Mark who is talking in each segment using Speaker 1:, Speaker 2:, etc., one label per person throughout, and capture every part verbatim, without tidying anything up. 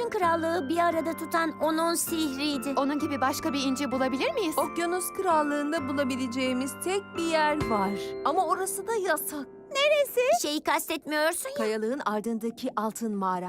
Speaker 1: bütün krallığı bir arada tutan onun sihriydi.
Speaker 2: Onun gibi başka bir inci bulabilir miyiz?
Speaker 3: Okyanus Krallığı'nda bulabileceğimiz tek bir yer var. Ama orası da yasak.
Speaker 1: Şeyi kastetmiyorsun ya.
Speaker 3: Kayalığın ardındaki altın mağara.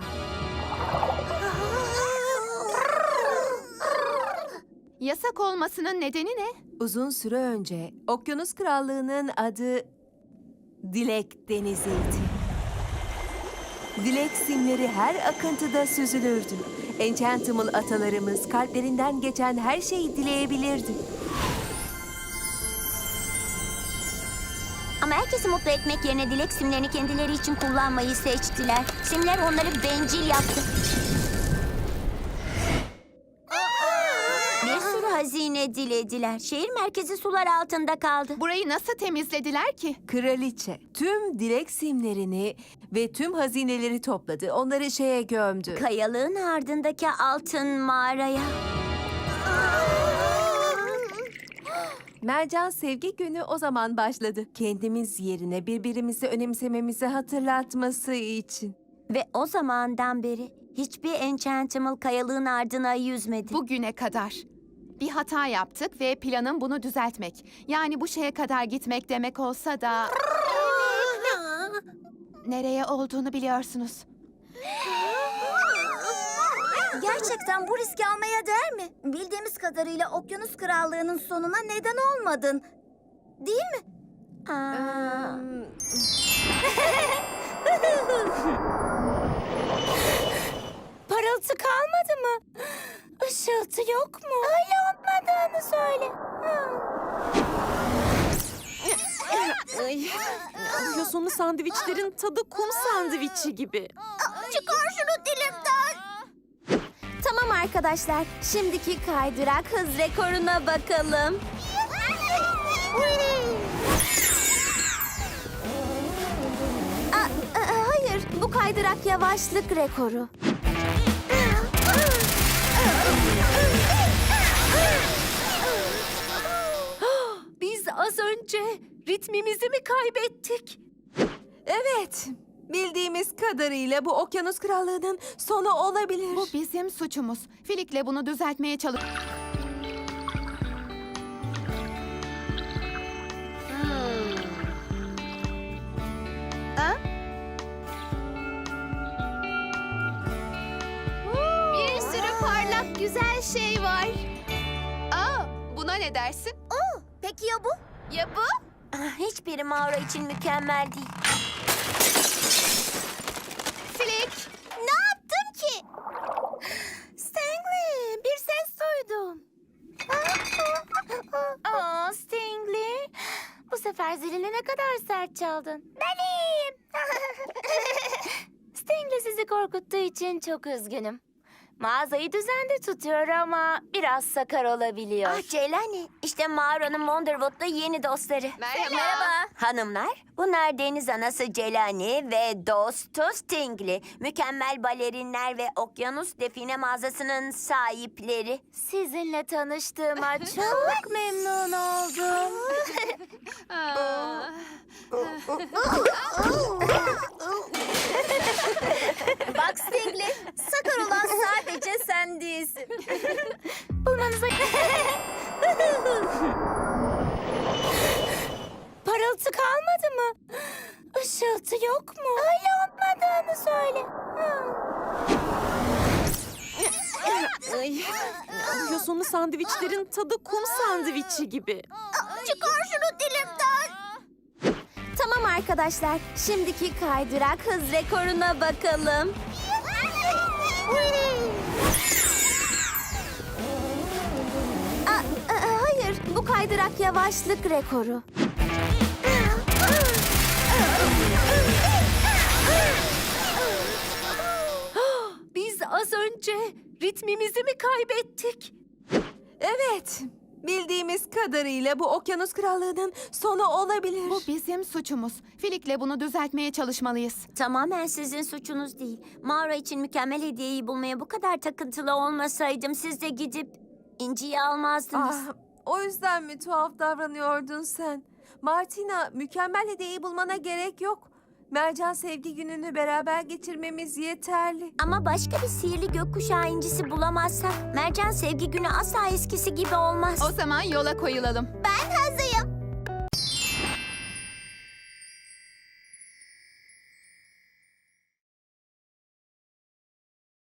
Speaker 2: Yasak olmasının nedeni ne?
Speaker 3: Uzun süre önce Okyanus Krallığı'nın adı Dilek Denizi'ydi. Dilek simleri her akıntıda süzülürdü. Enchantimal atalarımız kalplerinden geçen her şeyi dileyebilirdi.
Speaker 1: Ama herkesi mutlu etmek yerine dilek simlerini kendileri için kullanmayı seçtiler. Simler onları bencil yaptı. Bir sürü hazine dilediler. Şehir merkezi sular altında kaldı.
Speaker 2: Burayı nasıl temizlediler ki?
Speaker 3: Kraliçe tüm dilek simlerini ve tüm hazineleri topladı. Onları şeye gömdü.
Speaker 1: Kayalığın ardındaki altın mağaraya.
Speaker 3: Mercan Sevgi Günü o zaman başladı. Kendimiz yerine birbirimizi önemsememizi hatırlatması için.
Speaker 1: Ve o zamandan beri hiçbir Enchantimal kayalığın ardına yüzmedi.
Speaker 2: Bugüne kadar. Bir hata yaptık ve planım bunu düzeltmek. Yani bu şeye kadar gitmek demek olsa da... Nereye olduğunu biliyorsunuz.
Speaker 4: Gerçekten bu riski almaya değer mi? Bildiğimiz kadarıyla Okyanus Krallığı'nın sonuna neden olmadın. Değil mi?
Speaker 1: Aa,
Speaker 4: Parıltı kalmadı mı? Işıltı yok mu? Öyle olmadığını söyle.
Speaker 5: Ay, yosunlu sandviçlerin tadı kum sandviçi gibi.
Speaker 4: Çıkar şunu dilimden.
Speaker 1: Tamam arkadaşlar, şimdiki kaydırak hız rekoruna bakalım. Aa, aa, hayır, bu kaydırak yavaşlık rekoru.
Speaker 3: Biz az önce ritmimizi mi kaybettik? Evet, bildiğimiz kadarıyla bu Okyanus Krallığı'nın sonu olabilir.
Speaker 2: Bu bizim suçumuz. Filik'le bunu düzeltmeye çalış...
Speaker 4: Bir sürü parlak güzel şey var.
Speaker 2: Aa, buna ne dersin?
Speaker 4: Peki ya bu?
Speaker 2: Ya bu?
Speaker 1: Ah, hiçbiri mağara için mükemmel değil.
Speaker 2: Filik!
Speaker 4: Ne yaptın ki? Stingley, bir ses duydum. Aa, Stingley. Bu sefer zilini ne kadar sert çaldın. Ben iyiyim. Stingley sizi korkuttuğu için çok üzgünüm. Mağazayı düzende tutuyor ama biraz sakar olabiliyor.
Speaker 1: Ah Celani, işte mağaranın Wonderwood'da yeni dostları.
Speaker 2: Merhaba.
Speaker 1: Hanımlar, bunlar deniz anası Celani ve dostu Stingley. Mükemmel balerinler ve okyanus define mağazasının sahipleri.
Speaker 4: Sizinle tanıştığıma çok memnun oldum.
Speaker 2: Aa.
Speaker 4: Bak Stingley, sakar olan sadece sen değilsin. Bulmanıza... Parıltı kalmadı mı? Işıltı yok mu? Öyle olmadığını söyle.
Speaker 5: Ay, yosunlu sandviçlerin tadı kum sandviçi gibi.
Speaker 4: Çıkar şunu dilimden.
Speaker 1: Tamam arkadaşlar, şimdiki kaydırak hız rekoruna bakalım. Aa, aa, hayır, bu kaydırak yavaşlık rekoru.
Speaker 3: Biz az önce ritmimizi mi kaybettik? Evet, bildiğimiz kadarıyla bu Okyanus Krallığı'nın sonu olabilir.
Speaker 2: Bu bizim suçumuz. Filik'le bunu düzeltmeye çalışmalıyız.
Speaker 1: Tamamen sizin suçunuz değil. Mağara için mükemmel hediyeyi bulmaya bu kadar takıntılı olmasaydım siz de gidip inciyi almazdınız.
Speaker 3: Ah, o yüzden mi tuhaf davranıyordun sen? Martina, mükemmel hediyeyi bulmana gerek yok. Mercan Sevgi Günü'nü beraber geçirmemiz yeterli.
Speaker 1: Ama başka bir sihirli gökkuşağı incisi bulamazsak Mercan Sevgi Günü asla eskisi gibi olmaz.
Speaker 2: O zaman yola koyulalım.
Speaker 4: Ben